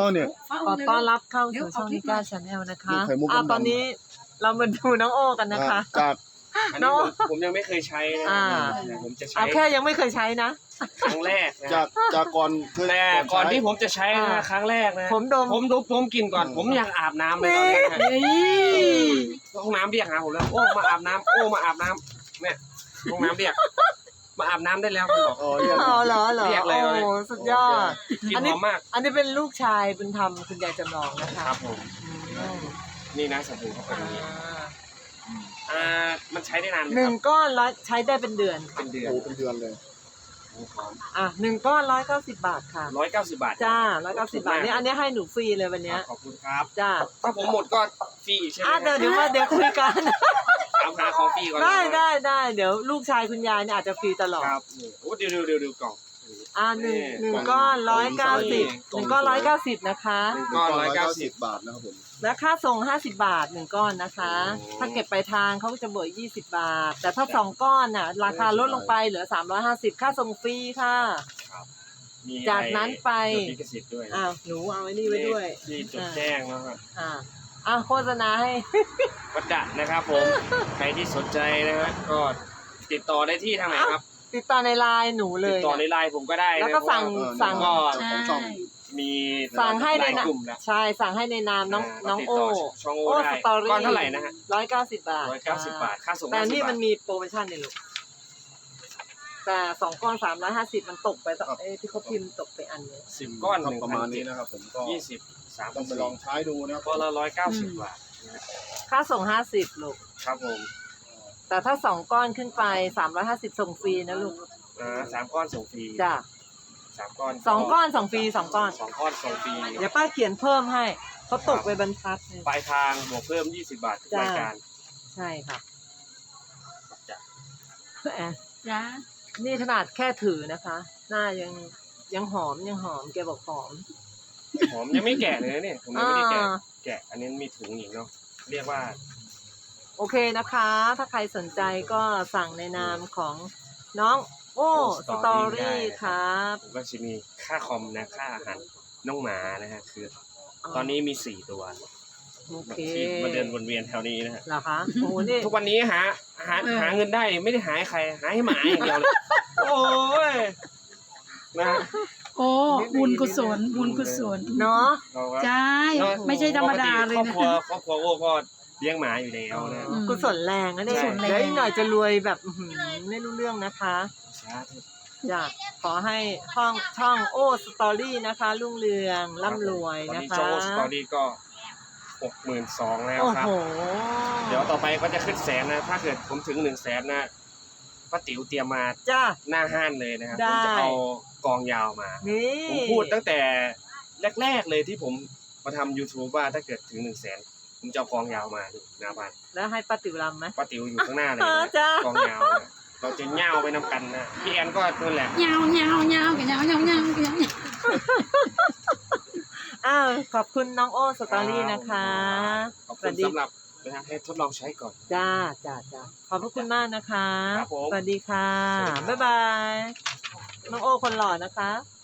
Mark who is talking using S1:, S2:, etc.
S1: เนี่ย
S2: ขอต้อนรับเข้าสู่ช่องนิก้าชาแนลนะคะ
S1: ไข่มุกดำๆ
S2: ตอนนี้เรามาดูน้องโอ้กันนะคะ
S1: จาก
S3: อันนี้ผมยังไม่เคยใช้นะผมจะใช้
S2: เอาแค่ยังไม่เคยใช้นะ
S3: ครั้งแรกนะ
S1: จากก่อนเคย
S3: แต่ก่อนที่ผมจะใช้นะครั้งแรกนะ
S2: ผมดม
S3: ผมกินก่อน ผมอยากอาบน้ำเลยตอนนี้นะห้องน้ำเรียกหาผมแล้วโอ้มาอาบน้ำโอ้มาอาบน้ำเนี่ยห้องน้ำเรียกมาอาบน้ำได้แล้วมันบอก
S1: อ๋อเนี่ย
S2: อ๋อเหรอ
S3: เรียกเลย
S2: โอ้สุดยอด
S3: กิน
S2: อัน
S3: ห
S2: นี้
S3: อมมาก
S2: อันนี้เป็นลูกชายบุญธรรมคุณยายจำลองนะคะ
S3: ครับผม
S2: อืม
S3: นี่นะสบู่เขาเป็นอย่างนี้มันใช้ได้นานไหม
S2: ห
S3: ค
S2: นึ่
S3: รั
S2: ง
S3: บ
S2: ก้อนใช้ได้เป็นเดือนค่ะ
S3: เป็นเดือน
S1: โอ้เป็นเดือนเลย
S3: หอม
S2: 1 ก้อน190 บาทค่ะ
S3: 190 บาท
S2: จ้า190 บาทนี่อันนี้ให้หนูฟรีเลยวันเนี้ย
S3: ขอบคุณครับ
S2: จ้า
S3: ถ้าผมหมดก็ฟรีอีกใช่ไหม
S2: เดี๋ยวคุยกัน
S3: ถามหาของฟรีก่อน
S2: ได้เดี๋ยวลูกชายคุณยายเนี่ยอาจจะฟรีตลอด
S3: ครับนี่โอ้เดี๋ยวกล่อง
S2: หนึ่งก้อน190 1 ก้อน190นะคะ
S3: ก้อน190
S1: บาทนะครับผม
S2: และค่าส่ง50 บาท1ก้อนนะคะ
S3: โอ้
S2: ถ้าเก็บไปลายทางเขาก็จะบวก20 บาท แต่ถ้า2ก้อนน่ะราคาลดลงไปเหลือ350ค่าส่งฟรีค่ะ
S3: มี
S2: จากนั้นไป
S3: จดลิขสิทธิ์ด้วย
S2: หนูเอาไว้นี่ไว้ด้วย
S3: ที่จดแจ้งนะครับ
S2: โฆษณาให้
S3: วัดดะนะครับผม ใครที่สนใจนะฮะก็ติดต่อได้ที่ทางไหนครับ
S2: ติดต่อในไลน์หนูเล
S3: ติด
S2: ย
S3: ต่อในไลน์ผมก็ได้นะ
S2: แล้วก็สั่ง
S3: ก็
S1: ของช่อง
S3: มี
S2: สั่งให้ใน
S3: ไลน์
S2: นาม
S3: กลุ่มนะ
S2: ใช่สั่งให้ในนามน้อง
S3: ติด
S2: โอ้
S3: ต่ช่องโอ้ได้
S2: สตอรี่
S3: ก้อนเท่าไหร่นะฮะ
S2: 190 บาท
S3: 190 บาทค่าส่ง
S2: แต่นี่
S3: 50
S2: มันมีโปรโมชั่นเนี่ยลูกแต่2 ก้อน350มันตกไปที่เขาพิมพ์ตกไปอันเนี้ย
S3: 10 ก้อน
S1: ครับประมาณนี้นะครับผมก็
S3: 20
S1: ต้องไปลอง
S3: 30
S1: ใช้ดูนะครับ
S3: ก้อนละ190 บาท
S2: ค่าส่ง50ลูก
S3: ครับผม
S2: แต่ถ้า2 ก้อนขึ้นไป350ส่งฟรีนะลูก
S3: 3 ก้อนส่งฟรี
S2: จ้ะ
S3: 3 ก้อน
S2: 2 ก้อนส่งฟรี2 ก้อน
S3: 2 ก้อนส่งฟรี
S2: เดี๋ยวป้าเขียนเพิ่มให้เขาตกไปบรรทัดหนึ่ง
S3: ปลายทางบวกเพิ่ม20 บาททุกรายการ
S2: ใช่ค่ะ
S3: จ้ะ
S4: จ้า
S2: นี่ขนาดแค่ถือนะคะ หน้ายังหอมแกบอกหอม
S3: ผมยังไม่แกะเลยนะเนี่ยผมยังไม่ได้แกะ
S2: อ่า
S3: แกะอันนี้มีถุงอีกเนาะเรียกว่า
S2: โอเคนะคะ ถ้าใครสนใจก็สั่งในนามของน้องโอ้สตอรี่ครับ
S3: ผมก็จะมีค่าคอมนะค่าอาหารน้องหมานะฮะคือ ตอนนี้มี4 ตัว
S2: โอเค
S3: ที่มาเดินวนเวียนแถวนี้นะฮะ
S2: เหรอคะโอ้นี่
S3: ทุกวันนี้หาเงินได้ไม่ได้หาให้ใครหาให้หมาอย่างเดียวเลยโอ้ยนะ
S4: โอ้บุญกุศลบุญกุศล
S2: เนาะ
S3: เราก็
S4: ใช่ไม่ใช่ธรรมดาเลย
S3: ปก
S4: นะ
S3: ติครอบครัวโอ้ก็เลี้ยงหมาอยู่แล้วนะ
S4: อืม
S2: กุศลแรงนะเนี่ย
S4: กุศลแรง
S2: เดี๋ยวอีกหน่อยจะรวยแบบไม่รู้เรื่องนะคะ
S3: สาธุ
S2: อยากขอให้ช่องโอ้สตอรี่นะคะ รุ่งเรืองร่ำรวย
S3: ตอน
S2: นะ
S3: นี้
S2: คะ
S3: โจ้สตอรี่ก็62,000แล้ว
S2: โอ้
S3: ครับ
S2: โห
S3: เดี๋ยวต่อไปก็จะขึ้นแสนนะ ถ้าเกิดผมถึง100,000นะป้าติ๋วเตรียมมา
S2: จ้า
S3: หน้าห้านเลยนะครับ
S2: ได้
S3: ผมจะเอากองยาวมา
S2: นี่
S3: ผมพูดตั้งแต่แรกๆเลยที่ผมมาทำ YouTube ว่าถ้าเกิดถึง100,000ผมจะเอากองยาวมาที่หน้าบ้าน
S2: แล้วให้ป้าติ๋วรำไหม
S3: ป้าติ๋วอยู่ข้างหน้าเลยนะ
S2: จ้า
S3: กองยาวนะเราจะเหย่าไปนำกันนะพี่แอนก็นั่นแหละ
S4: ยาวยาวยาวกันยาวยาวยาวยาว
S2: ขอบคุณน้องโอ้สตอรี่นะคะ
S3: ขอบคุณสำหรับนะให้ทดลองใช้ก่อน
S2: จ้าขอบพระคุณมากนะคะ
S3: ครับผม
S2: สวัสดีค่ะ
S3: สวัสดีครับ
S2: บ๊ายบาย น้องโอ้คนหล่อนะคะ